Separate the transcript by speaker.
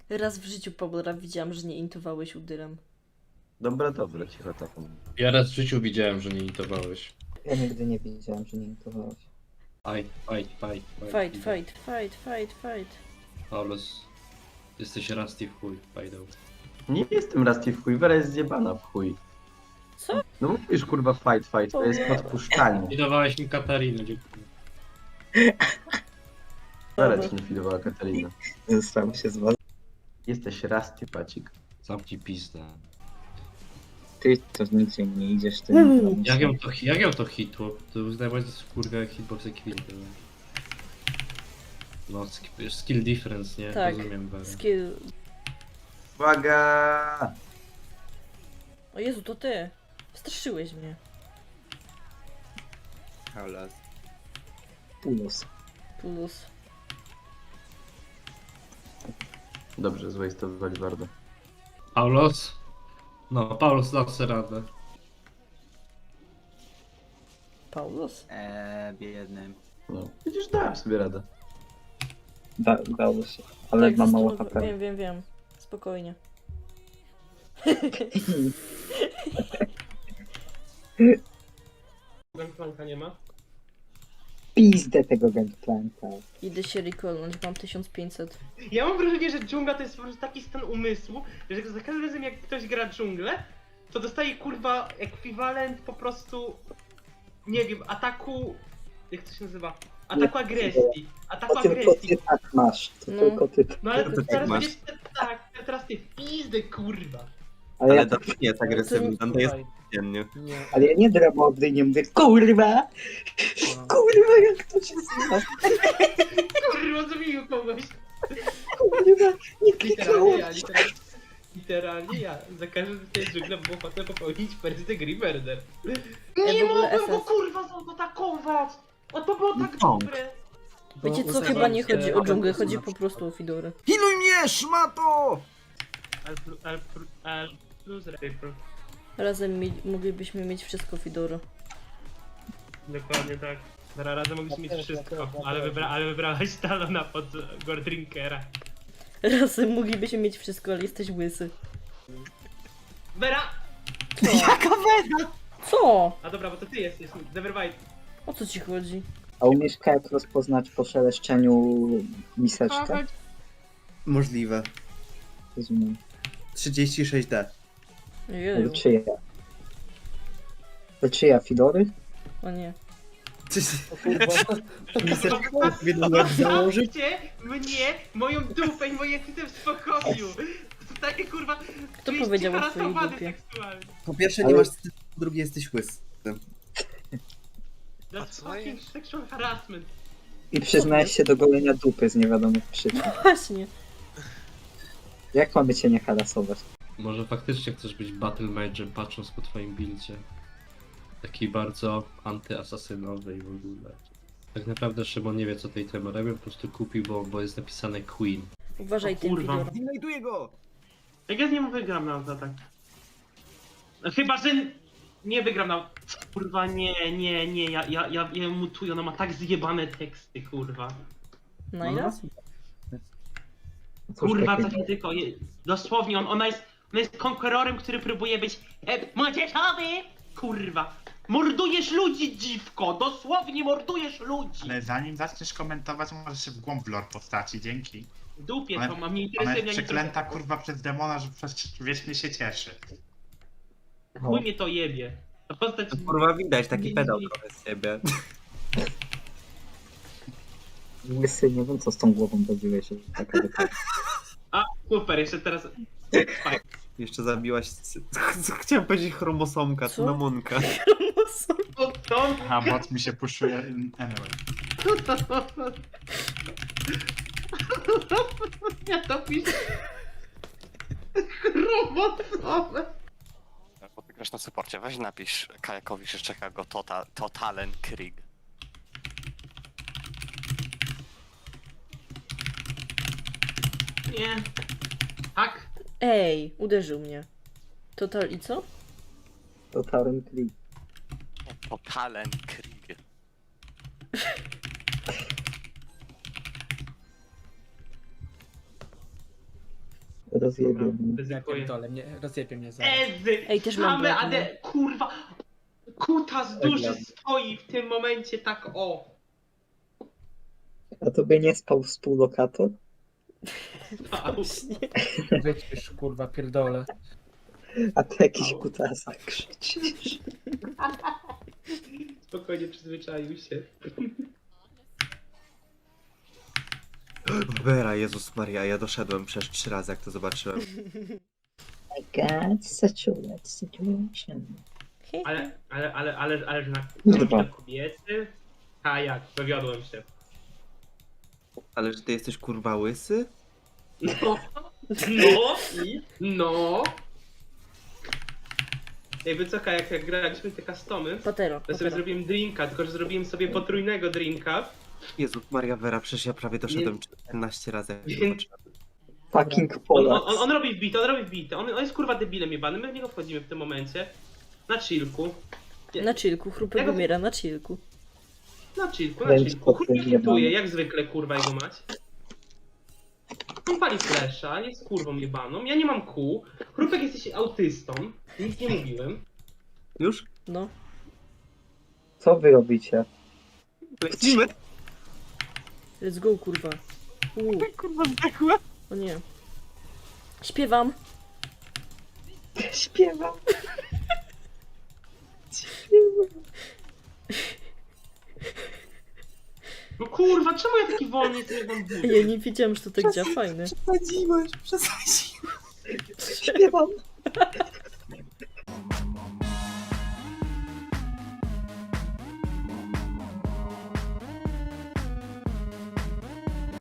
Speaker 1: Raz w życiu, Paula, widziałam, że nie intowałeś udyrem.
Speaker 2: Dobra, dobra, cicho taką.
Speaker 3: Ja raz w życiu widziałem, że nie intowałeś.
Speaker 4: Ja nigdy nie widziałem, że nie intowałeś.
Speaker 1: Fight, fight, fight, fight, fight.
Speaker 3: Paulus, jesteś rusty w chuj, pajdą.
Speaker 2: Nie jestem Rusty w chuj, Wera jest zjebana w chuj.
Speaker 1: Co?
Speaker 2: No mówisz kurwa fight, fight, to jest podpuszczanie.
Speaker 3: Widowałeś mi Katarinę, dziękuję.
Speaker 2: Wera ci nie fidowała Katarina.
Speaker 4: Zostało się z was.
Speaker 2: Jesteś Rusty, pacik.
Speaker 3: Zamknij pizdę.
Speaker 4: Ty to nigdzie nie idziesz, ty
Speaker 3: Jak ją to hitło? To uznawałeś za kurwa hitbox equity. No, skill difference, nie?
Speaker 1: Tak.
Speaker 3: Rozumiem, Wera.
Speaker 1: Skill.
Speaker 2: Uwaga!
Speaker 1: O Jezu, to ty. Straszyłeś mnie.
Speaker 5: Hałlas.
Speaker 4: Pulos.
Speaker 1: Plus.
Speaker 2: Dobrze, zwejstowali bardzo.
Speaker 3: Paulus? No, Paulus dał sobie radę.
Speaker 1: Paulus?
Speaker 5: Biedny.
Speaker 2: No, widzisz, dałem sobie radę.
Speaker 4: Dało się. Ale ma mało
Speaker 1: zastanów-
Speaker 4: HP.
Speaker 1: Wiem. Spokojnie.
Speaker 6: Gangplanka nie ma?
Speaker 4: Pizdę tego gangplanka.
Speaker 1: Idę się recallnąć, mam 1500.
Speaker 6: Ja mam wrażenie, że dżungla to jest po prostu taki stan umysłu, że za każdym razem jak ktoś gra dżunglę, to dostaje kurwa ekwiwalent po prostu, nie wiem, ataku, jak to się nazywa? Ataku agresji. Ataku
Speaker 4: To tylko
Speaker 6: agresji.
Speaker 4: ty tak masz. To
Speaker 1: No.
Speaker 4: tylko ty.
Speaker 6: No ale
Speaker 5: to tak
Speaker 6: teraz
Speaker 5: masz.
Speaker 6: będziesz tak, teraz ty w pizdę kurwa.
Speaker 4: Ale ja,
Speaker 5: Ale to nie jest agresywny, to jest dziennie.
Speaker 4: ale ja nie dramody, nie mówię kurwa! Kurwa, jak to się zna?
Speaker 6: Kurwa, zabił kogoś.
Speaker 4: Kurwa, nie
Speaker 6: Literalnie
Speaker 4: kliknąłem.
Speaker 6: ja, literalnie ja. Za każdym z tej dżungla było potem popełnić first degree murder. Nie
Speaker 1: w ogóle
Speaker 6: mogłem go
Speaker 1: SS.
Speaker 6: kurwa zaatakować! O to było tak
Speaker 5: No.
Speaker 6: dobre!
Speaker 1: Wiecie co, chyba nie chodzi o dżunglę, chodzi po prostu o Fidory.
Speaker 5: Hiluj mnie, szmato!
Speaker 6: Al plus rifle.
Speaker 1: Razem moglibyśmy mieć wszystko Fidory.
Speaker 6: Dokładnie tak. Razem mogliśmy mieć wszystko, ale wybrałaś Talona pod Gordrinkera.
Speaker 1: Razem moglibyśmy mieć wszystko, ale jesteś łysy.
Speaker 6: Vera!
Speaker 5: Jaka weda!
Speaker 1: Co?
Speaker 6: A dobra, bo to ty jesteś, Nevermind.
Speaker 1: O co ci chodzi?
Speaker 4: A umiesz jak rozpoznać po szeleszczeniu miseczkę?
Speaker 5: Możliwe.
Speaker 4: Rozumiem.
Speaker 5: 36D.
Speaker 1: Jeju.
Speaker 4: Czyja? To czyja, Fidory?
Speaker 1: O nie.
Speaker 5: Miseczkę powinno łeb założyć?
Speaker 6: Zostawcie mnie, moją dupę i moje kwity w spokoju! To takie kurwa...
Speaker 1: Kto
Speaker 6: jesteś
Speaker 1: powiedział o twojej
Speaker 6: harassowany
Speaker 1: dupie?
Speaker 6: seksualnie.
Speaker 5: Po pierwsze nie
Speaker 4: Ale-
Speaker 5: masz cycu, po drugie jesteś łysy.
Speaker 6: That's fucking sexual harassment.
Speaker 4: I przyznałeś się do golenia dupy z niewiadomych przyczyn.
Speaker 1: Właśnie.
Speaker 4: Jak mamy cię nie harasować?
Speaker 3: Może faktycznie chcesz być battle mage'em patrząc po twoim buildzie. Taki bardzo antyasasynowy i w ogóle. Tak naprawdę Szymon nie wie co tej temy robię, po prostu kupił, bo jest napisane Queen.
Speaker 1: Uważaj
Speaker 6: O
Speaker 1: tym
Speaker 6: kurwa.
Speaker 1: Fidorem.
Speaker 5: Znajduję go!
Speaker 6: Jak ja z nim wygram na atak? No chyba, że nie wygram na... Kurwa, nie, ja mutuję, ona ma tak zjebane teksty, kurwa.
Speaker 1: No i raz.
Speaker 4: Cóż
Speaker 6: Kurwa,
Speaker 4: takiego?
Speaker 6: co nie tylko, dosłownie, ona jest konkurorem, który próbuje być młodzieżowy! Kurwa, mordujesz ludzi, dziwko, dosłownie mordujesz ludzi!
Speaker 7: Ale zanim zaczniesz komentować, możesz się w głąb w lore postaci, dzięki.
Speaker 6: W dupie
Speaker 7: Ona-
Speaker 6: to mam, nie
Speaker 7: Ona
Speaker 6: interesuje
Speaker 7: jest
Speaker 6: mnie ani
Speaker 7: przeklęta
Speaker 6: trochę.
Speaker 7: kurwa przez demona, że wiecznie się cieszy.
Speaker 6: Chuj mnie to jebie. Ta postać...
Speaker 5: Kurwa widać, taki
Speaker 6: Nie,
Speaker 5: pedał
Speaker 6: nie.
Speaker 5: trochę z siebie.
Speaker 4: Łysy, nie wiem co z tą głową robiłeś. Taka
Speaker 6: A, super, jeszcze teraz...
Speaker 5: Jeszcze zabiłaś... Chciałem powiedzieć chromosomka,
Speaker 1: Co?
Speaker 5: cynamonka.
Speaker 6: O, to...
Speaker 7: A bot mi się puszuje anyway.
Speaker 6: Ja to piszę... Chromosowe.
Speaker 8: Bo ty grasz na supporcie, weź napisz Kajakowi, że czeka go Totalen Krieg.
Speaker 6: Nie. Tak?
Speaker 1: Ej, uderzył mnie. Total i co?
Speaker 4: to Taren Krieg.
Speaker 8: Totalen Krieg.
Speaker 4: Rozjebie
Speaker 6: Dobra,
Speaker 4: mnie.
Speaker 9: Ja
Speaker 6: ryzykuję.
Speaker 9: pierdolę, rozjebie mnie zaraz.
Speaker 6: Ezy!
Speaker 1: Ej, też mam
Speaker 6: Same
Speaker 1: blok, no.
Speaker 6: AD, kurwa! Kutas duży stoi w tym momencie tak o!
Speaker 4: A tobie nie spał współlokator?
Speaker 6: Au.
Speaker 9: Wycisz, kurwa, pierdolę.
Speaker 4: A ty jakiś kutasa krzyczysz.
Speaker 6: Spokojnie przyzwyczaił się.
Speaker 5: Vera, Jezus Maria, ja doszedłem przez 3 razy, jak to zobaczyłem.
Speaker 4: I got such a wet situation.
Speaker 6: Ale że
Speaker 4: Kurwa.
Speaker 6: na kobiety? A jak, dowiodłem się.
Speaker 5: Ale że ty jesteś kurwa łysy?
Speaker 6: No, no. Jakby co, jak graliśmy te customy,
Speaker 1: Patero.
Speaker 6: to sobie zrobiłem drinka, tylko że zrobiłem sobie potrójnego drinka.
Speaker 5: Jezus Maria, Vera, przecież ja prawie doszedłem 14 razy, jak to
Speaker 6: Więc-
Speaker 5: zobaczyłem.
Speaker 4: Fucking Polak.
Speaker 6: On robi wbite, on jest kurwa debilem jebanym, my w niego wchodzimy w tym momencie. Na chillku.
Speaker 1: Na chillku, chrupek
Speaker 6: Ja go-
Speaker 1: umiera na chillku.
Speaker 6: Na chillku, na
Speaker 4: Więc
Speaker 6: chillku. Kurwa
Speaker 4: potrójnie
Speaker 6: hituje,
Speaker 4: jebany.
Speaker 6: jak zwykle kurwa jego mać. On pali flesza, jest kurwą jebaną, ja nie mam kół. Chrupek jesteś autystą, nic nie mówiłem.
Speaker 5: Już?
Speaker 1: No.
Speaker 4: Co wy robicie?
Speaker 5: Lecimy!
Speaker 1: Let's go, kurwa.
Speaker 5: Kurwa, zdechła!
Speaker 1: O nie. Śpiewam.
Speaker 4: Śpiewam.
Speaker 6: No kurwa, czemu ja taki wolny jestem jak mam buty?
Speaker 1: Ja nie wiedziałam, że to tak działa, fajne.
Speaker 5: Przesadziłeś, przesadziłeś.
Speaker 4: Śpiewam.